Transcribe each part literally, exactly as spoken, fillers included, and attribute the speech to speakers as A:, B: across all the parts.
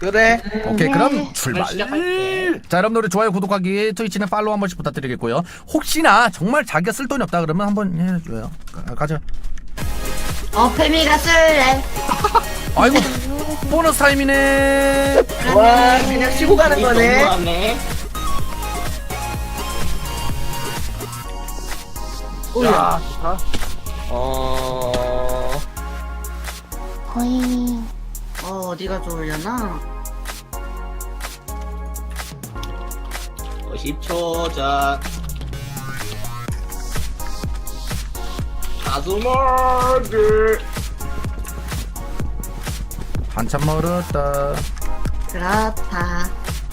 A: 그래.
B: 오케이
C: 네.
B: 그럼 출발.
D: 시작할게.
B: 자 여러분들 좋아요 구독하기 트위치는 팔로우 한 번씩 부탁드리겠고요. 혹시나 정말 자기가 쓸 돈이 없다 그러면 한번 해줘요. 가, 가자.
C: 어, 페미가 쓸래.
B: 아이고 보너스 타임이네.
A: 와, 그냥 치고 가는 거네.
D: 너무하네.
A: 자, 좋다. 어,
C: 거의.
E: 어, 어디가 좋으려나?
D: 어, 십 초 전. 가수머드.
B: 한참 멀었다.
E: 그렇다.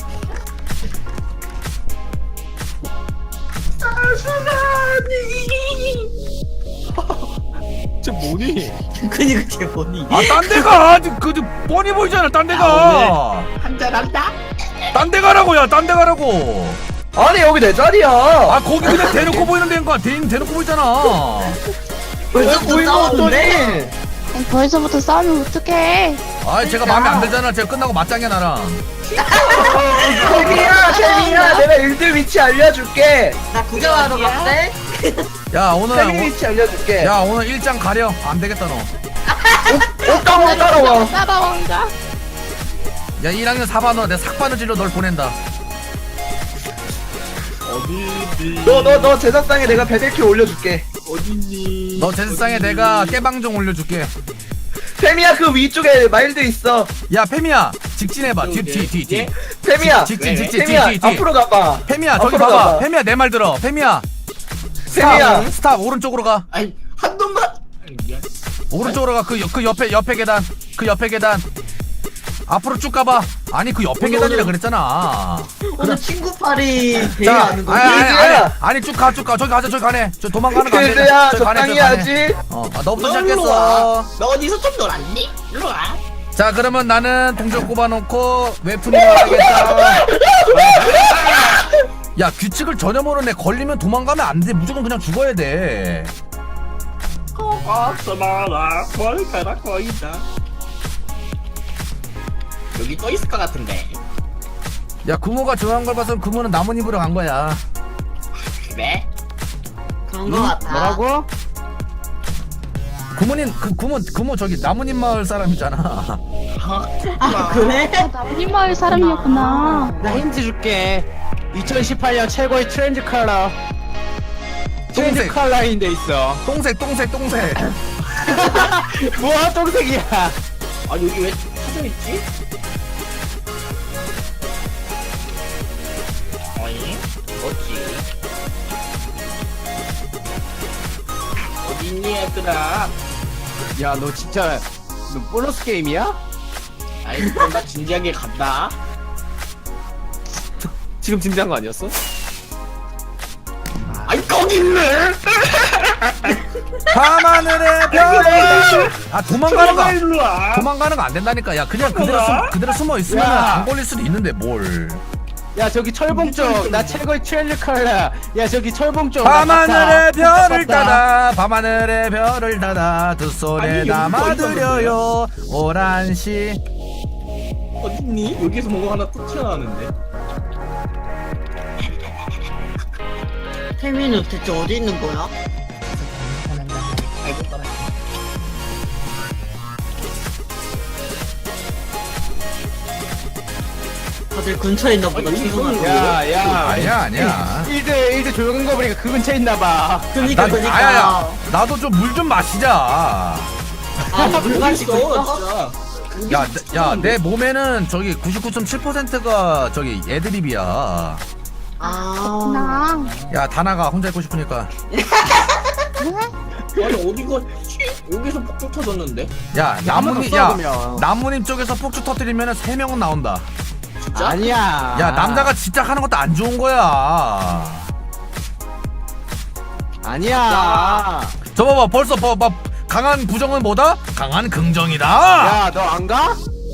A: 저 뭐니?
E: 그니 그게 뭐니?
B: 아딴 데가 그 뻔히 보이잖아. 딴 데가.
D: 한잔 한다.
B: 딴 데 가라고요. 딴 데 가라고.
A: 아니, 여기 내 자리야.
B: 아 거기 그냥 대놓고 보이는 데인 거야. 대인 대놓고 보이잖아.
E: 벌써부터
A: 보이는
E: 싸웠는데?
A: 것더니.
C: 벌써부터 싸우면 어떡해.
B: 아 제가 마음에 안 들잖아. 제가 끝나고 맞짱이야 나랑.
A: 태미야, 태미야, 내가 일들 위치 알려줄게.
E: 나 구경하러 갔대?
B: 야 오늘
A: 태미
B: 오-
A: 위치 알려줄게.
B: 야 오늘 일장 가려. 안 되겠다 너.
A: 옷 까먹어 따라와.
C: 따라온다.
B: 야 일 학년 사 반으로 내 삭바느질로 널 보낸다.
D: 어디지?
A: 너, 너, 너 제작상에 내가 베델키 올려줄게.
D: 어디지?
B: 너 제스상에 내가 깨방정 올려줄게.
A: 태미야, 그 위쪽에 마일드 있어.
B: 야 페미야 직진해봐. 뒤 뒤 뒤 뒤.
D: 예?
A: 태미야,
B: 직진 직진
A: 태미야,
B: 뒤 뒤 뒤.
A: 앞으로 가봐.
B: 페미야 저기
A: 앞으로
B: 봐봐.
A: 가봐.
B: 페미야 내 말 들어. 페미야
A: 태미야.
B: 스탑 스탑 오른쪽으로 가.
D: 아니 한 놈만. 미안.
B: 오른쪽으로 가. 그 그 옆에 옆에 계단. 그 옆에 계단. 앞으로 쭉 가봐. 아니 그 옆에
E: 오늘,
B: 계단이라
E: 오늘.
B: 그랬잖아.
E: 오늘 친구팔이
B: 자,
E: 대회하는
B: 아니 아니
E: 거지?
B: 아니 아니, 아니 쭉 가 쭉 가. 저기 가자 저기 가네. 저 도망가는 거 아니야.
A: 그래야
B: 저기 가네,
A: 적당히
B: 저기 가네.
A: 하지.
B: 어, 아, 너부터
D: 너 일로
B: 시작했어.
D: 와. 너 어디서 좀 놀았니? 일로 와.
B: 자 그러면 나는 동전 꼽아놓고 웹툰을 하겠다. 야 규칙을 전혀 모르네. 걸리면 도망가면 안 돼. 무조건 그냥 죽어야 돼.
D: 고맙소마라. 머리카락 보인다. 여기 또 있을 것 같은데.
B: 야 구모가 좋아한 걸 봐서 구모는 나뭇잎으로 간 거야.
D: 그래?
E: 그런 거 같아.
A: 뭐라고?
B: 구모님 그 구모 구모 저기 나뭇잎 마을 사람이잖아.
E: 아, 그래?
C: 아, 나뭇잎 마을 사람이었구나.
F: 나 힌트 줄게. 이천십팔 년 최고의 트렌드 컬러. 트렌드
B: 똥색.
F: 컬러인 데 있어.
B: 똥색 똥색 똥색.
F: 뭐야 똥색이야.
D: 아 여기 왜 사져 있지? 어이? 뭐지? 어딨니 얘들아?
F: 야 너 진짜 너 보너스 게임이야?
D: 아이 그럼 나 진지하게 간다.
F: 지금 진지한 거 아니었어?
D: 아이 거기 있네.
B: 밤하늘의 별을. 아 도망가는 거.
D: 일로 와.
B: 도망가는 거 안 된다니까. 야 그냥 그대로 숨 그대로 숨어 있으면
F: 야.
B: 안 걸릴 수도 있는데 뭘.
F: 야 저기 철봉 쪽. 나 최고의 트렌드 컬러. 야 저기 철봉 쪽.
B: 밤하늘의 별을 따다 밤하늘의 별을 따다 두 손에
D: 아니, 여기
B: 담아드려요 오란시.
D: 어딨니? 여기서 뭔가 하나 또 튀어나왔는데.
E: 태민은 대체 어디 있는 거야?
D: 아이고 따라.
E: 다들 근처에 있나 보다.
D: 아니,
E: 친구가.
F: 야 야.
B: 아니야 아니야.
F: 일 대 일 대 조용한 거 보니까 그 근처에 있나 봐.
E: 그니까,
B: 나,
E: 그니까.
B: 아야야 나도 좀 물 좀 마시자.
E: 아, 물
D: 여기
E: 마시고
D: 있어
E: 있어?
D: 진짜.
B: 야, 내- 야, 내 몸에는 저기 구십구 점 칠 퍼센트가 저기 애드립이야.
E: 아.
C: 나.
B: 야, 다 나가. 혼자 있고 싶으니까.
D: 아니 어디가 여기서 폭죽 터졌는데?
B: 야, 나뭇잎,
F: 더
B: 야,
F: 쏘면.
B: 나뭇잎 쪽에서 폭주 터뜨리면 세 명은 나온다.
D: 진짜?
F: 아니야.
B: 야, 남자가 진짜 하는 것도 안 좋은 거야.
F: 아니야.
B: 저 봐봐, 벌써 봐, 봐, 강한 부정은 뭐다? 강한 긍정이다.
F: 야 너 안 가?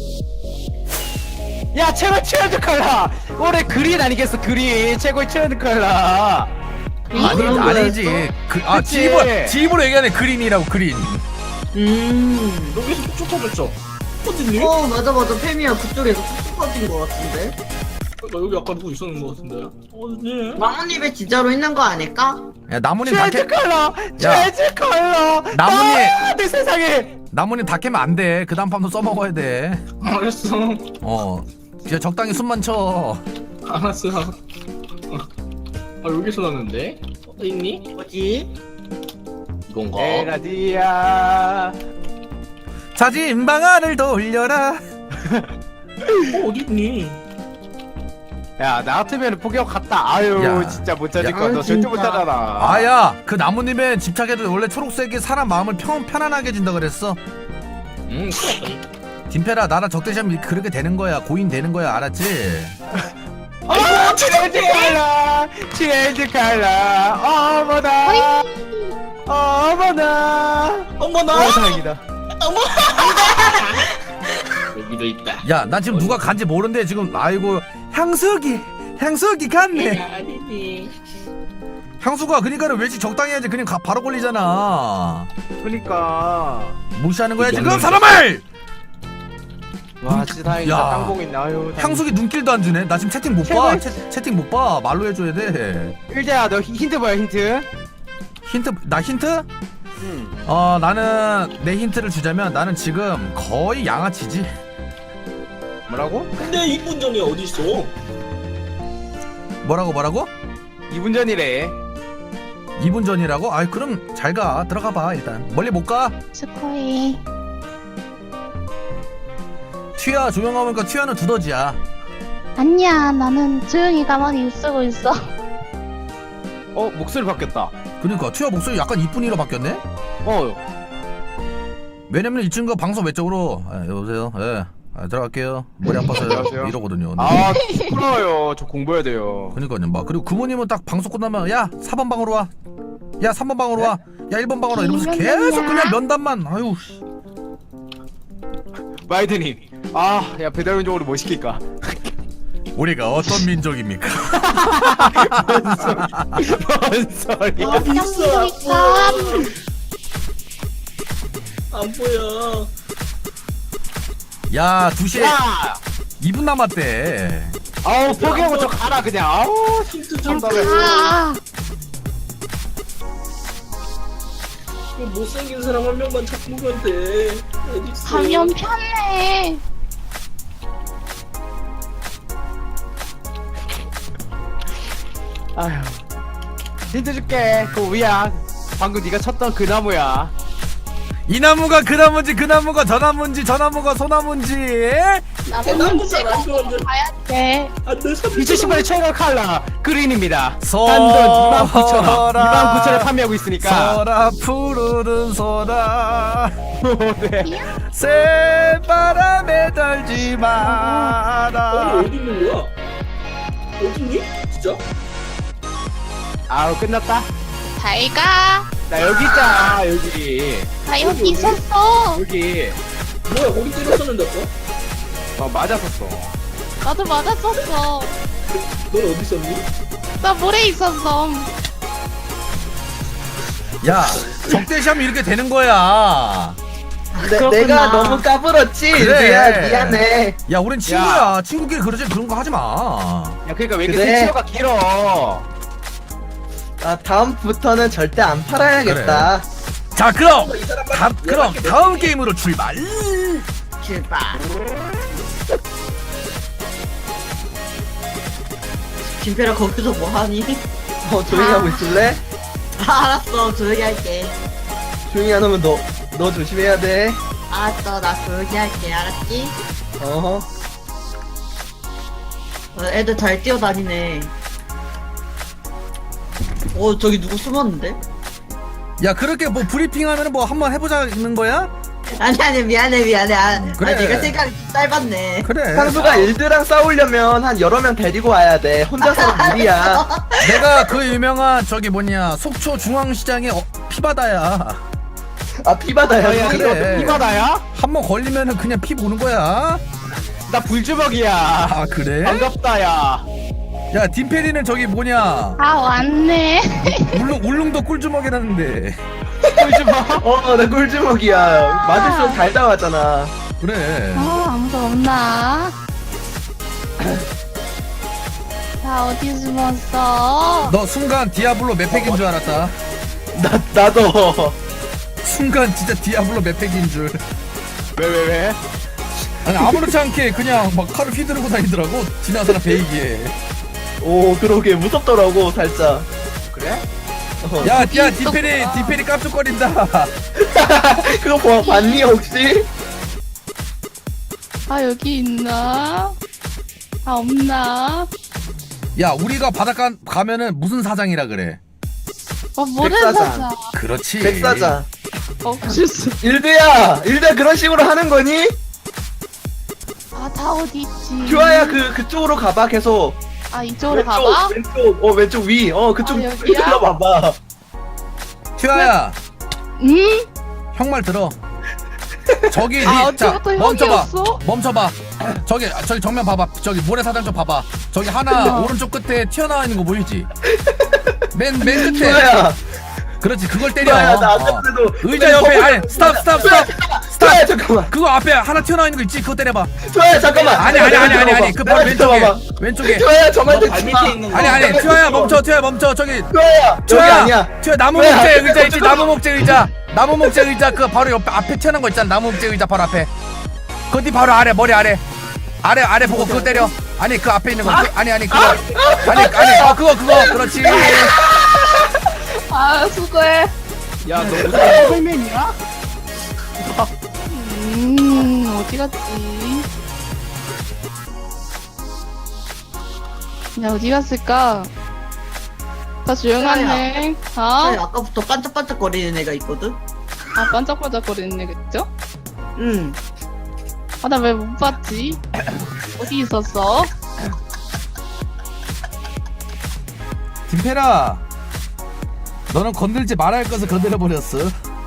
F: 야 최고의 트렌드 컬러. 올해 그린 아니겠어 그린. 최고의 트렌드 컬러.
B: 아니,
E: 그런
B: 아니지. 그, 아,
F: 그치.
B: 지입으로, 지입으로 얘기하네. 그린이라고, 그린.
E: 음.
D: 여기서 폭죽 터졌죠? 어딨니?
E: 어 맞아 맞아 페미야 그쪽에서 뚝뚝 터진 거 같은데.
D: 나 여기 아까 누구 있었는 거 같은데. 어딨니?
E: 나뭇잎에 진짜로 있는 거 아닐까?
B: 야 나뭇잎
F: 트렌즈
B: 다 캐.
F: 컬러 트렌즈 컬러
B: 나뭇잎.
F: 아, 내 세상에.
B: 나뭇잎 다 캐면 안 돼. 그 다음 밤도 써먹어야 돼.
D: 알았어.
B: 어. 이제 적당히 숨만 쳐.
D: 알았어. 아 여기서 났는데? 어딨니?
E: 뭐지?
D: 이건가?
F: 에라디아.
B: 자진 방아를 돌려라.
D: 어 어딨니?
F: 야, 나 같으면 포기하고 갔다. 아유,
B: 야.
F: 진짜 못 찾을
B: 야.
F: 거. 너
E: 아,
F: 절대
E: 진짜.
F: 못 찾아라.
B: 아야, 그 나뭇잎에 집착해도 원래 초록색이 사람 마음을 평, 편안하게 해준다 그랬어.
D: 응
B: 딘페라, 나랑 적대시하면 그렇게 되는 거야. 고인 되는 거야. 알았지?
F: 아, 트렌즈 컬러, 트렌즈 컬러. 어머나, 어머나.
D: 어머나!
F: 어, 다행이다.
D: 여기도 있다.
B: 야, 난 지금 누가 간지 모르는데 지금 아이고 향수기, 향수기 갔네.
D: 아니지.
B: 향수가 그러니까는 왠지 적당히 해야지. 그냥 가, 바로 걸리잖아.
F: 그러니까.
B: 무시하는 거야 지금
D: 양념.
B: 사람을.
F: 와, 진짜 다행이다.
B: 야.
F: 땅콩 있네. 아유. 다행이다.
B: 향수기 눈길도 안 주네. 나 지금 채팅 못 봐.
F: 제발.
B: 채, 채팅 못 봐. 말로 해줘야 돼.
F: 일자야, 너 힌트 뭐야, 힌트?
B: 힌트, 나 힌트?
F: 응.
B: 어, 나는 내 힌트를 주자면 나는 지금 거의 양아치지.
F: 뭐라고?
D: 근데 이 분 전에 어디 있어?
B: 뭐라고 뭐라고?
F: 이 분 전이래.
B: 이 분 전이라고? 아이 그럼 잘 가. 들어가 봐 일단. 멀리 못 가.
C: 스코이.
B: 튀야 조용하니까 튀야는 두더지야.
C: 아니야, 나는 조용히 가만히 쓰고 있어.
F: 어, 목소리 바뀌었다.
B: 그러니까 튀야 목소리 약간 이쁜이로 바뀌었네?
F: 어.
B: 왜냐면 이 친구가 방송 외적으로 아, 여보세요? 예. 아, 들어갈게요. 머리 아파서요.
F: 안녕하세요.
B: 이러거든요.
F: 아, 부끄러워요. 저 공부해야 돼요.
B: 그러니까요. 막 그리고 부모님은 딱 방송 끝나면 야 사 번 방으로 와. 야 삼 번 방으로 와. 야 일 번 방으로 와. 이러면서 계속 그냥 면담만. 아유. 씨.
F: 마이드님. 아, 야, 배달원적으로 뭐 시킬까?
B: 우리가 어떤 민족입니까?
F: 뭔 소리야?
D: 아 있어.
C: 그러니까
D: 안 보여.
B: 야 두 시에
F: 야!
B: 이 분 남았대.
F: 아우, 포기하고 저 가라, 그냥. 아우,
D: 힌트 좀 줘.
C: 아,
D: 그 못생긴 사람 한 명만 잡고 가면 돼. 어디 있어?
C: 가면 편해.
F: 아휴. 힌트 줄게. 그 위야. 방금 네가 쳤던 그 나무야.
B: 이 나무가 그 나무인지 그 나무가 저 나무인지 저 나무가 소 나무인지.
C: 나는
D: 대나무잖아,
C: 찍어
D: 이거는.
C: 봐야 돼.
D: 안돼 삼.
F: 이천십 년의 최고 컬러 그린입니다.
B: 소-
F: 단돈 이만 구천 원. 이만 구천 원에 판매하고 있으니까.
B: 소라 푸르른 소라
F: 네.
B: 새바람에 떨지
D: 어
B: 마라.
D: 어디 있는 거야? 어딨니? 진짜?
F: 아우, 끝났다.
C: 잘 가.
F: 나 여기 있잖아, 여기.
C: 나 여기 있었어.
F: 여기.
D: 뭐야 거기 때렸었는데 또?
F: 어, 맞았었어.
C: 나도 맞았었어.
D: 넌 어디 있었니?
C: 나 물에 있었어.
B: 야 적대시하면 이렇게 되는 거야.
A: 내,
E: 그렇구나.
A: 내가 너무 까불었지.
B: 그래.
A: 미안, 미안해.
B: 야 우린 친구야. 친구끼리 그러지 그런 거 하지 마.
F: 야, 그러니까 왜 이렇게
A: 그래.
F: 세치어가 길어?
A: 아, 다음부터는 절대 안 팔아야겠다.
B: 자 그럼
D: 이 사람
B: 다, 그럼 다음 게임으로 출발.
E: 출발. 김페라 거기서 뭐하니?
A: 어, 조용히 하고 있을래?
E: 아, 알았어 조용히 할게.
A: 조용히 안 하면 너, 너 조심해야 돼.
E: 알았어 나 조용히 할게 알았지?
A: 어허.
E: 어, 애들 잘 뛰어다니네. 어 저기 누구 숨었는데?
B: 야 그렇게 뭐 브리핑하면 뭐 한번 해보자는 거야?
E: 아니 아니 미안해 미안해. 아,
B: 그래.
E: 아 내가 생각이 짧았네.
B: 그래.
A: 상수가 일드랑 싸우려면 한 여러 명 데리고 와야 돼. 혼자서는 무리야.
B: 내가 그 유명한 저기 뭐냐 속초 중앙시장의 어, 피바다야.
A: 아, 피바다야.
F: 야,
B: 그래.
F: 그래. 이바다야?
B: 한 번 걸리면은 그냥 피 보는 거야.
F: 나 불주먹이야.
B: 아 그래?
F: 반갑다, 야.
B: 야 딘페리는 저기 뭐냐
C: 아, 왔네.
B: 울릉 울릉도 꿀주먹이라는데.
F: 불주먹?
A: 어, 나 꿀주먹이야. 맞을수록 달다왔잖아.
B: 그래.
C: 아, 없나? 다 어디 숨었어?
B: 너 순간 디아블로 맵팩인 줄 알았다.
A: 나 나도.
B: 순간 진짜 디아블로 맵팩인 줄.
F: 왜 왜 왜?
B: 아니 아무렇지 않게 그냥 막 칼을 휘두르고 다니더라고. 지나가는 사람 베이기에.
A: 오 그러게 무섭더라고 살짝.
F: 그래?
A: 어.
B: 야, 야,
C: 있었구나.
B: 디페리, 디페리 깜짝거린다.
A: 그거 봐 봤니 혹시?
C: 아 여기 있나? 아 없나?
B: 야, 우리가 바닷가 가면은 무슨 사장이라 그래?
C: 어 모래
A: 백사장.
C: 사자.
B: 그렇지.
A: 백사장.
C: 어 실수.
A: 일드야 일드 그런 식으로 하는 거니?
C: 아다 어디 있지?
A: 규아야 그 그쪽으로 가봐 계속.
C: 아 이쪽으로 가봐.
A: 왼쪽 어 왼쪽 위. 어 그쪽
C: 아, 여기야?
A: 들러봐봐.
B: 튜아야,
C: 응?
B: 형 말 들어. 저기,
C: 아
B: 니, 자,
C: 언제부터
B: 멈춰봐.
C: 형이었어?
B: 멈춰봐. 저기, 저기 정면 봐봐. 저기 모래사장 좀 봐봐. 저기 하나 오른쪽 끝에 튀어나와 있는 거 보이지? 맨, 맨 끝에.
A: 규아야.
B: 그렇지, 그걸 때려.
A: 규아야 나
B: 어.
A: 아까도
B: 의자 옆에, 아니, 스탑, 스탑, 스탑.
A: 규아야 잠깐만.
B: 그거 앞에 하나 튀어나와 있는 거 있지? 그거 때려봐.
A: 규아야 잠깐만.
B: 아니, 아니, 아니, 아니, 아니. 그 바로 왼쪽에. 왼쪽에.
A: 규아야 저만
D: 너 발밑에 있는 거.
B: 아니, 아니, 튜아야 멈춰, 튜아야 멈춰. 저기.
A: 규아야 여기
B: 튜아야,
A: 아니야.
B: 튜아 나무
A: 튜아야,
B: 목재
A: 잠깐만,
B: 의자 있지?
A: 잠깐만.
B: 나무 목재 의자. 나무 목재 의자 그 바로 옆에 앞에 튀어나온 거 있잖아. 나무 목재 의자 바로 앞에. 그뒤 바로 아래 머리 아래. 아래 아래 보고 그거 때려. 아니 그 앞에 있는 거. 그, 아니 아니 그거. 아니 아니 어 그거 그거 그렇지.
C: 아 수고해.
F: 야, 너 무슨 헬멧이야?
C: 음 어디 갔지? 야 어디 갔을까? 다 조용하네.
E: 아니,
C: 어?
E: 아까부터 반짝반짝거리는 애가 있거든?
C: 아 반짝반짝거리는 애겠죠?
E: 응.
C: 아 나 왜 못 봤지? 어디 있었어?
B: 김페라. 너는 건들지 말아야 할 것을 건드려 버렸어.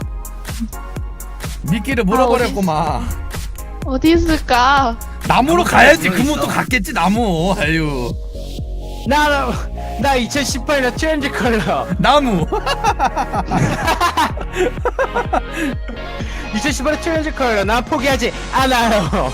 B: 미끼를 물어버렸구만.
C: 어디 있을까?
B: 나무로 가야지.
F: 있어.
B: 그문 또 갔겠지 나무. 아유.
F: 나, 나 이천십팔 년 트렌드 컬러.
B: 나무.
F: 이천십팔 년 트렌드 컬러. 난 포기하지 않아요.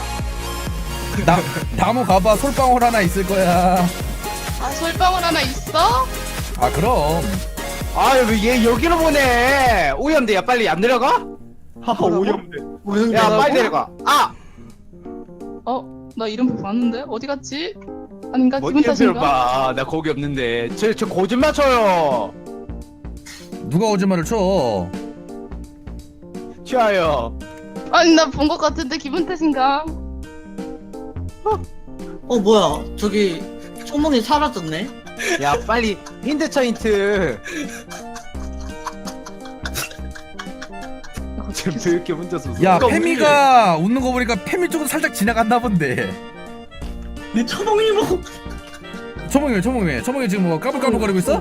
B: 나 나무 가봐. 솔방울 하나 있을 거야.
C: 아 솔방울 하나 있어?
B: 아 그럼.
F: 아, 얘 여기로 보내. 오염돼. 야, 빨리 안 내려가?
A: 하하 오염돼.
F: 야, 빨리 내려가. 아!
C: 어? 나 이름 봤는데? 어디 갔지? 아닌가?
F: 뭐
C: 기분
F: 이름표를
C: 탓인가?
F: 봐. 나 거기 없는데. 저, 저 거짓말 쳐요.
B: 누가 거짓말을 쳐?
F: 튀어요.
C: 아니 나 본 것 같은데 기분 탓인가?
E: 어, 뭐야. 저기, 초몽이 사라졌네?
F: 야, 빨리 힌트 쳐, 힌트. 지금 왜 이렇게 혼자서 웃어?
B: 야
A: 그러니까
B: 페미가 웃는 거 보니까 페미 쪽으로 살짝 지나갔나 본데.
A: 네 처먹이 뭐?
B: 초몽이 초몽이 초몽이 지금 뭐 까불까불거리고 있어?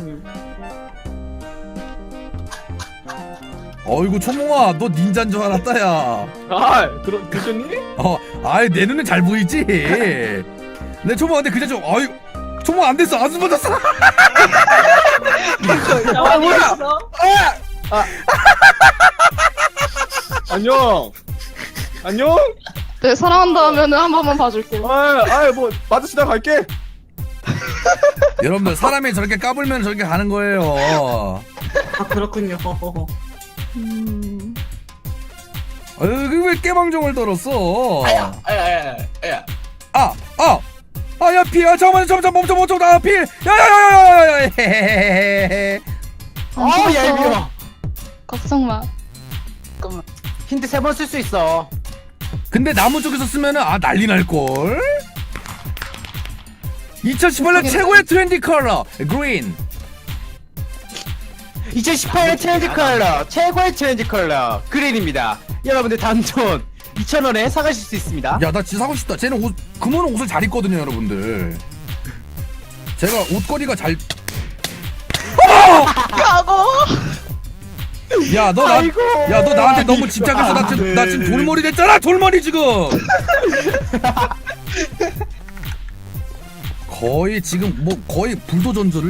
B: 어이구 초몽아 너 닌자인 줄 알았다 야.
A: 아 들어 드셨니?
B: 어 아이 내 눈에 잘 보이지. 내 초몽 근데 그저 좀 어이 초몽 안 됐어 안 숨어졌어.
A: 아 뭐야? 아. 안녕. 안녕.
C: 네 사랑한다 하면은 한 번만 봐줄게.
A: 아, 아, 뭐 마주치다 갈게.
B: 여러분들 사람이 저렇게 까불면 저렇게 가는 거예요.
E: 아, 그렇군요.
C: 음...
B: 어이 왜 깨방정을 떨었어?
A: 아야, 아야, 아야.
B: 아, 아, 아, 야, 피, 아, 잠깐만, 잠깐만, 멈춰, 멈춰, 나 피, 야, 야, 야, 야, 야, 야, 헤헤헤헤.
C: 안
F: 아,
C: 죽었어.
F: 얄미워.
C: 걱정 마. 잠깐만.
F: 힌트 세 번 쓸 수 있어.
B: 근데 나무 쪽에서 쓰면은 아 난리 날 걸. 이천십팔 년 최고의 트렌디 컬러, 그린.
F: 이천십팔 년 트렌드 컬러, 최고의 트렌드 컬러, 그린입니다. 여러분들 단돈 이천 원에 사가실 수 있습니다.
B: 야, 나 진짜 사고 싶다. 쟤는 옷, 금호는 옷을 잘 입거든요, 여러분들. 제가 옷걸이가 잘.
C: 가고.
B: 야, 너 나,
F: 아이고.
B: 야, 너 나한테 너무 집착해서 나 지금, 나 지금 돌머리 됐잖아, 돌머리 지금. 거의 지금 뭐 거의 불도전조를.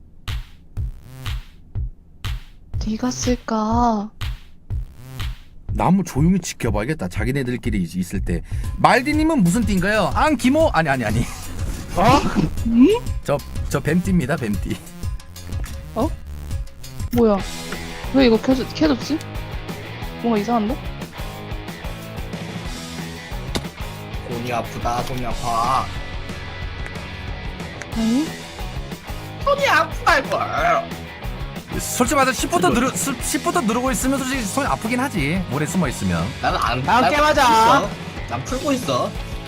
C: 어디 갔을까?
B: 나무 조용히 지켜봐야겠다. 자기네들끼리 있- 있을 때. 말디님은 무슨 띠인가요? 안기모? 아니 아니 아니.
F: 어?
B: 저저 뱀띠입니다. 뱀띠.
C: 뭐야? 왜 이거 켜졌, 켜졌지? 뭔가 이상한데?
A: 손이 아프다 손이 아파.
C: 아니?
A: 손이 아프다 이거.
B: 솔직히 말해서 십부터 누르 십부터 누르고 있으면 솔직히 손이 아프긴 하지. 오래 숨어 있으면.
A: 나는 안.
F: 다음
A: 난
F: 게임 하자.
A: 풀고 있어. 난 풀고 있어.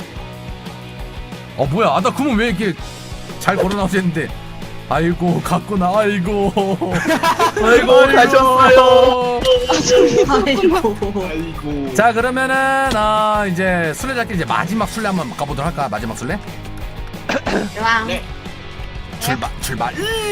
B: 어 뭐야? 아나 그러면 왜 이렇게 잘 걸어 나오지 했는데. 아이고 갔구나. 아이고.
A: 아이고 가셨어요.
E: 아이고.
A: 아이고.
B: 자 그러면은 어, 이제 술래잡기 이제 마지막 술래 한번 가보도록 할까? 마지막 술래?
E: 좋아.
A: 네.
B: 출발 출발.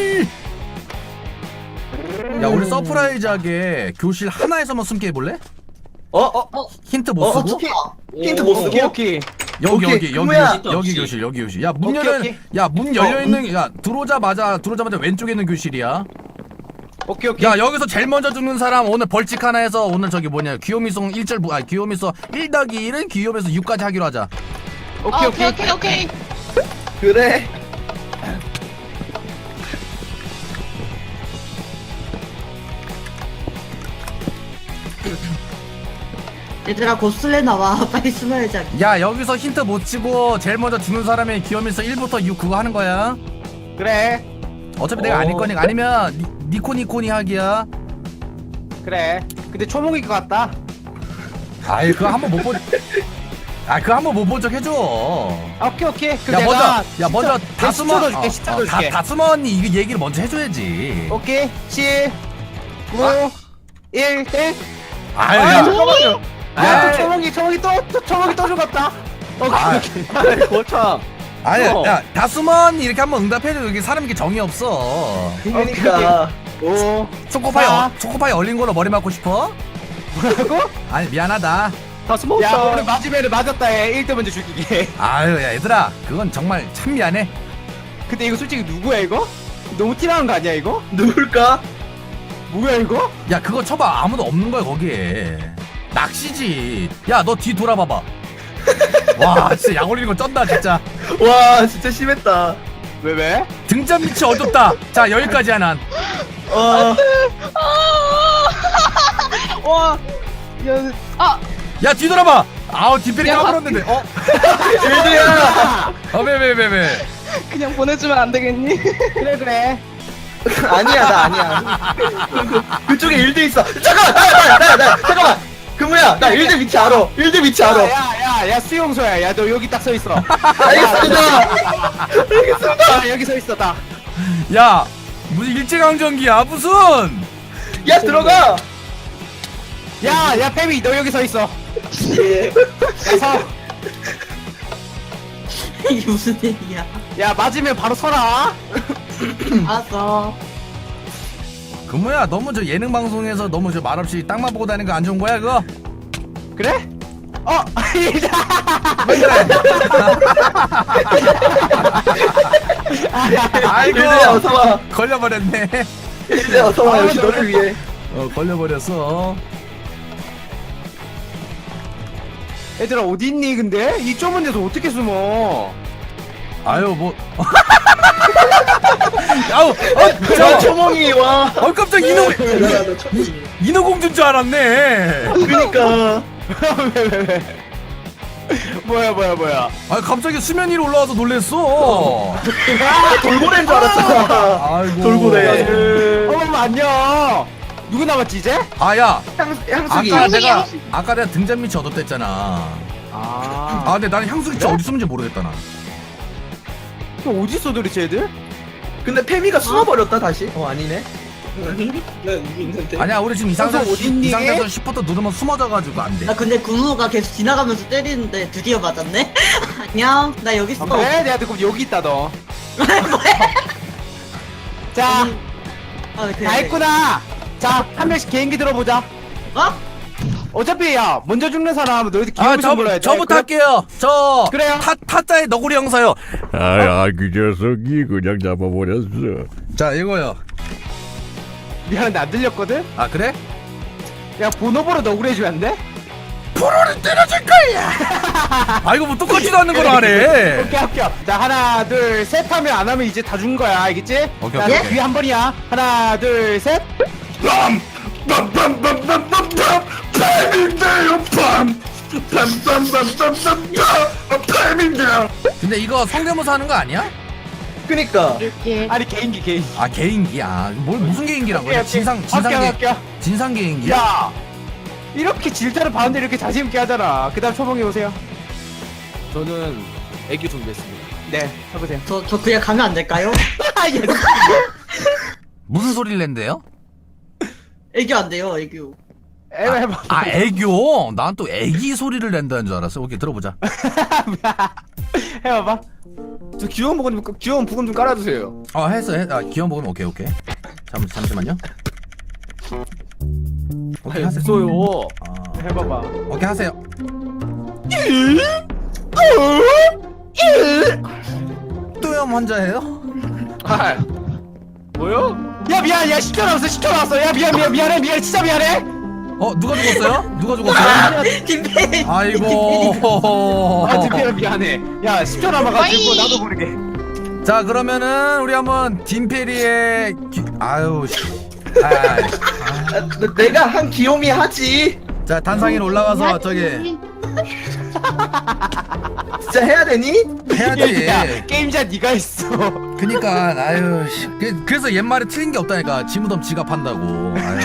B: 야 우리 서프라이즈하게 교실 하나에서만 숨게 해볼래?
A: 어? 어?
B: 힌트 못
A: 어?
B: 쓰고?
A: 히, 힌트 못 쓰고?
F: 오케이 오케이.
B: 여기
A: 오케이,
B: 여기 여기
A: 그거야.
B: 교실, 여기 교실 여기 교실. 야 문
F: 오케이,
B: 열려
F: 오케이.
B: 야문 열려 있는 야 들어오자마자 들어오자마자 왼쪽에 있는 교실이야.
F: 오케이 오케이.
B: 야 여기서 제일 먼저 죽는 사람 오늘 벌칙 하나 해서 오늘 저기 뭐냐 귀요미송 일 절 아 귀요미송 일 더하기 일은 귀요미에서 육까지 하기로 하자.
F: 오케이
C: 아,
F: 오케이.
C: 오케이, 오케이.
A: 그래.
E: 얘들아 곧 술래 나와. 빨리 숨어야지.
B: 야 여기서 힌트 못 치고 제일 먼저 죽는 사람이 귀요미송 일부터 육 그거 하는 거야.
F: 그래
B: 어차피 내가
F: 어.
B: 아닐 거니까 아니면 니, 니코니코니 하기야.
F: 그래. 근데 초목일 것 같다.
B: 아이 그거 한번 못 본. 아 그거 한번 못 본 적 해줘.
F: 아, 오케이 오케이. 그럼
B: 야
F: 내가
B: 먼저 야
F: 진짜-
B: 먼저
F: 내가
B: 다스먼
F: 십초 더 줄게, 십초 더 줄게.
B: 다스먼이 이거 얘기를 먼저 해줘야지.
F: 오케이 칠 구 일 땡.
B: 아유
F: 아,
B: 야.
F: 잠깐만요. 야,
B: 야.
F: 또 초목이 초목이 또, 또 초목이 또 죽었다. 오케이
B: 아.
F: 오케이.
A: 아이고 참.
B: 아니
F: 어.
B: 야 다스먼이 이렇게 한번 응답해줘. 여기 사람 이렇게 정이 없어.
A: 그러니까.
F: 오.
B: 초코파이
F: 자.
B: 어, 초코파이 얼린 걸로 머리 맞고 싶어?
F: 뭐라고?
B: 아니 미안하다.
A: 다스
F: 야
A: 먹자.
F: 오늘 맞으면 맞았다 해. 일 등 먼저 죽이게.
B: 아유 야 얘들아 그건 정말 참 미안해.
F: 근데 이거 솔직히 누구야 이거? 너무 티나는 거 아니야 이거?
A: 누굴까?
F: 뭐야 이거?
B: 야 그거 쳐봐 아무도 없는 거야 거기에. 낚시지. 야 너 뒤 돌아봐봐. 와 진짜 약 올리는 거 쩐다 진짜.
A: 와 진짜 심했다.
F: 왜 왜?
B: 등잔 밑이 어둡다. 자 여기까지야 난.
A: 어.
C: 와. 야, 아,
B: 야 뒤돌아봐. 아우 뒷배리
C: 야,
B: 까불었는데. 어?
A: 일드야.
B: 어왜 왜 왜 왜?
C: 그냥 보내주면 안 되겠니?
F: 그래 그래.
A: 아니야 나 아니야. 그, 그쪽에 일드 있어. 잠깐만 나나 나 나 잠깐만. 금우야 나 일드 위치 알아. 일드 위치 알아.
F: 야야야 수용소야. 야 너 여기 딱 서 있어.
A: 알겠습니다.
F: 야 여기 서 있어 딱.
B: 야 무슨 일제강점기야 무슨?
A: 야 들어가.
F: 야야 페미 너 여기 서 있어.
A: 예.
F: 야 서.
E: 이게 무슨 일이야?
F: 야 맞으면 바로 서라.
E: 알았어.
B: 금우야 너무 저 예능 방송에서 너무 저 말없이 땅만 보고 다니는 거 안 좋은 거야 그거?
F: 그래? 어.
B: 왜 그래? 아이고
A: 일드야 어서와.
B: 걸려버렸네.
A: 일드야 어서와 역시 너를 위해.
B: 어 걸려버렸어.
F: 얘들아 어디 있니 근데? 이 좁은 데서 어떻게 숨어?
B: 아유 뭐. 아우 어,
A: 저
B: 저,
A: 초몽이 와.
B: 어 깜짝 인어
A: 대단하다 초몽이.
B: 인어공주인 줄 알았네.
A: 그러니까.
F: 왜 왜 왜? 뭐야 뭐야 뭐야?
B: 아 갑자기 수면 위로 올라와서 놀랬어.
A: 아 돌고래인 줄 알았잖아.
B: 아이고.
A: 돌고래.
F: 어머 안녕. 누구 남았지 이제?
B: 아야
A: 향 향수기.
B: 아까
C: 향수기,
B: 내가
C: 향수기.
B: 아까 내가 등잔 밑이 어둡댔잖아.
F: 아.
B: 아 근데 나는 향수기 진짜
F: 그래?
B: 어디 숨은지 모르겠다 나.
F: 또 어디 있어 도대체 애들?
A: 근데 페미가 숨어버렸다 다시. 어 아니네.
D: 난 여기 있는데.
B: 아니야 우리 지금 이 상태에서
F: 향수 어디 있니?
B: 이 상태에서 시프트 누르면 숨어져가지고 안 돼.
E: 나 근데 군우가 계속 지나가면서 때리는데 드디어 맞았네. 안녕. 나 여기 있어.
F: 아, 그래? 내가 듣고 여기 있다 너. 자,
E: 아, 그래.
F: 다 했구나. 자, 한 명씩 개인기 들어보자.
E: 어?
F: 어차피 야 먼저 죽는 사람 너희들
B: 아,
F: 기억을
B: 저,
F: 좀 불러야 돼.
B: 저부터
F: 그래?
B: 할게요. 저,
F: 그래요?
B: 타, 타짜의 너구리 형사요.
G: 아야 그 녀석이 그냥 잡아버렸어.
B: 자, 이거요.
F: 미안한데 안 들렸거든.
B: 아, 그래?
F: 야 번호번호 너구리 해주면 안 돼?
B: 프로를 때려줄 거야. 아 이거 뭐 똑같지도 않는 걸 하네.
F: 오케이 오케이. 자 하나 둘 셋 하면 안 하면 이제 다 준 거야 알겠지?
B: 오케이,
F: 자,
B: 오케이, 오케이.
F: 뒤에 한 번이야. 하나 둘 셋.
B: 근데 이거 성대모사 하는 거 아니야?
A: 그니까
F: 아니 개인기 개인기.
B: 아 개인기야. 뭘 무슨 개인기라고?
F: 오케이, 오케이.
B: 진상 진상
F: 할게요,
B: 개
F: 할게요.
B: 진상 개인기야?
F: 야 이렇게 질타를 받는데 이렇게 자신 있게 하잖아. 그다음 초봉이 오세요.
D: 저는 애교 준비했습니다.
F: 네 해보세요.
E: 저, 저 그냥 가면 안 될까요?
B: 무슨 소리를 낸대요?
E: 애교 안 돼요, 애교.
F: 해봐 해봐.
B: 아 애교. 난 또 애기 소리를 낸다는 줄 알았어. 오케이 들어보자.
F: 해봐봐.
A: 저 귀여운 부분 좀 귀여운 부분 좀 깔아주세요.
B: 어 했어. 했, 아 귀여운 부분 오케이 오케이. 잠 잠시만요. 오케이 하세요.
D: 없어요.
B: 아,
F: 해봐봐.
B: 오케이 하세요. 또염 환자예요?
D: 아, 뭐요?
F: 야 미안 야 십 초 나왔어 십 초 나왔어. 야 미안 미안 미안해 미안해 진짜 미안해.
B: 어 누가 죽었어요? 누가 죽었어요?
E: 김페이.
B: 아이고.
F: 아 진짜 미안해. 야 십 초 남아가지고
C: 와이.
F: 나도 모르게.
B: 자 그러면은 우리 한번 딘페리의 기... 아유 씨. 아,
A: 아, 너- 내가 한 귀요미 하지.
B: 자 단상위로 올라가서 저기
A: 진짜 해야 되니?
B: 해야지.
F: 야 게임자 네가 했어.
B: 그니까 아유 씨. 그, 그래서 옛말에 틀린 게 없다니까. 지무덤 지갑한다고. 아유.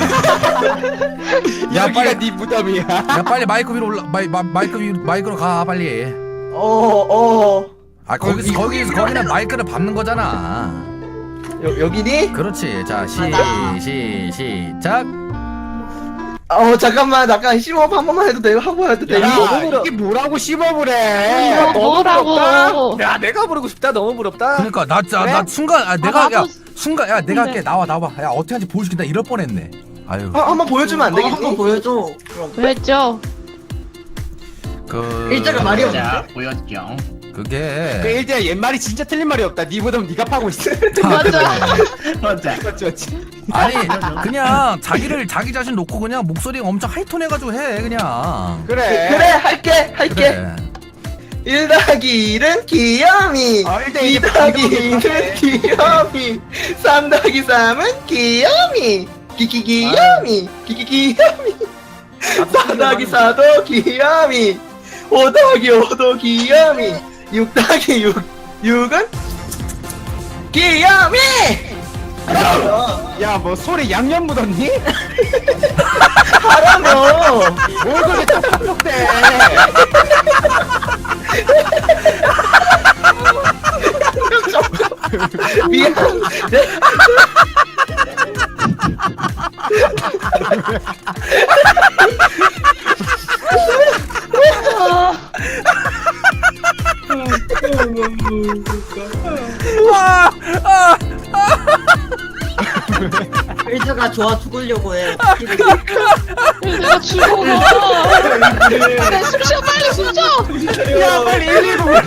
B: 야
F: 여기가
B: 빨리
F: 네 무덤이야.
B: 야 빨리 마이크 위로 올라 마이, 마, 마이크 위 마이크로 가 빨리.
A: 어 어.
B: 아 거기서 거기서 거기는 마이크를 밟는 거잖아.
A: 여, 여기니?
B: 그렇지. 자 시 시 시작.
A: 어 잠깐만 잠깐 심호흡 한 번만 해도 돼요? 하고 해도 돼요?
F: 야
A: 너무 부러-
F: 이게 뭐라고 심어보래. 네.
C: 이거 뭐라고?
D: 부럽다? 야 내가 부르고 싶다. 너무 부럽다.
B: 그러니까 나 나
F: 그래?
B: 나 순간 아 내가
C: 나도-
B: 야 순간 야 내가 할게
C: 근데-
B: 나와 나와 야 어떻게 하는지 보여줄게. 나 이럴 뻔했네. 아유
A: 어, 한번 보여주면 안
E: 어,
A: 되겠니?
E: 한번 보여줘. 그럼.
C: 왜죠?
B: 그
E: 일자가 말이 없는데?
H: 자, 보였죠.
F: 그
B: 그게
F: 일대 옛말이 진짜 틀린 말이 없다. 네 무덤 네가 파고 있어.
C: 맞아.
H: 맞아.
F: 맞지 맞지.
B: 아니 그냥 자기를 자기 자신 놓고 그냥 목소리 엄청 하이톤 해가지고 해 그냥.
F: 그래.
A: 그래 할게 할게.
B: 그래.
A: 일 더하기 일은 귀요미.
F: 어, 일단
A: 이
F: 이제
A: 더하기
F: 귀요미.
A: 이는 귀요미. 삼 더하기 삼은 귀요미. 기기 귀요미. 기기 귀요미. 사 더하기 사도 귀요미. 오 더하기 오도 귀요미. 육 더하기 육. 육은 귀요미.
F: 야 뭐 소리 양념 묻었니?
A: 하라며.
F: 뭘 그렇게 taptap대.
A: 미안.
B: 아, 아,
E: 일자가 좋아 죽으려고 해.
C: 내가 죽어. 그래, 숨 쉬어, 빨리 숨 쉬어.
F: 야 빨리 일일구 불러.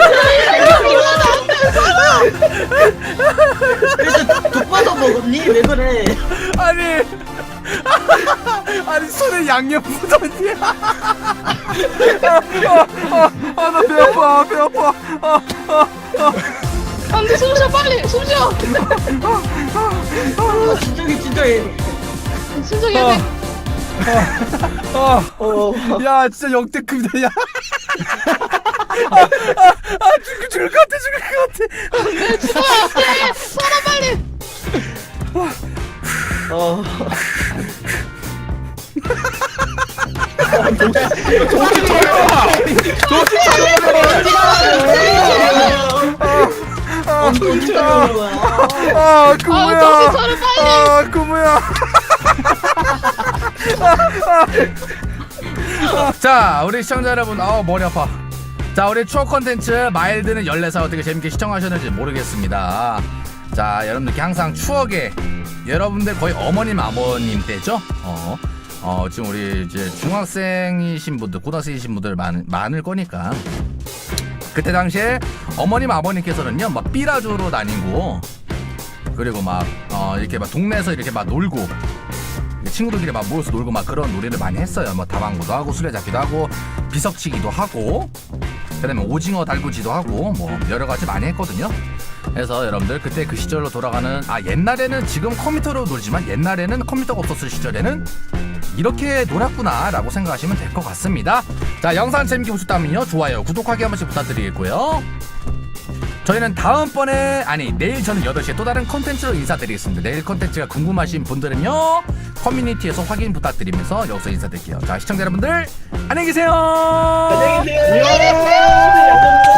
E: 일자 독받아 먹었니? 왜 그래?
B: 아니 아니 손에 양념 묻었니? 아나 배 아파 배 아파. 아, 아, 아.
C: 안 돼, 숨 쉬어, 빨리 숨 쉬어.
E: 아, 진정해 진정해.
C: 진정해야 돼.
B: 아,
A: 어.
B: 야 진짜 역대급이다 야. 아, 아, 아 죽을 죽을 것 같아 죽을 것 같아.
C: 네, 죽어야 돼. 살아, 빨리.
A: 어.
E: 엄청 축하드리는 거야.
B: 아
C: 아, 정신 차려, 빨리.
B: 아 구무야. 자 우리 시청자 여러분 아 머리 아파. 자 우리 추억 컨텐츠 마일드는 열네 살 어떻게 재밌게 시청하셨는지 모르겠습니다. 자 여러분들께 항상 추억에 여러분들 거의 어머님 아버님 때죠. 어, 어 지금 우리 이제 중학생이신 분들 고등학생이신 분들 많, 많을 거니까 그때 당시에 어머님 아버님께서는요 막 삐라주로 다니고 그리고 막 어, 이렇게 막 동네에서 이렇게 막 놀고 친구들끼리 막 모여서 놀고 막 그런 놀이를 많이 했어요. 뭐 다방구도 하고 술래잡기도 하고 비석치기도 하고 그다음에 오징어 달구지도 하고 뭐 여러 가지 많이 했거든요. 그래서 여러분들 그때 그 시절로 돌아가는 아 옛날에는 지금 컴퓨터로 놀지만 옛날에는 컴퓨터가 없었을 시절에는 이렇게 놀았구나 라고 생각하시면 될 것 같습니다. 자, 영상 재밌게 보셨다면요 좋아요 구독하기 한 번씩 부탁드리겠고요. 저희는 다음번에 아니 내일 저는 여덟 시에 또 다른 컨텐츠로 인사드리겠습니다. 내일 컨텐츠가 궁금하신 분들은요 커뮤니티에서 확인 부탁드리면서 여기서 인사드릴게요. 자, 시청자 여러분들 안녕히 계세요.
D: 안녕히 계세요. 안녕히 계세요.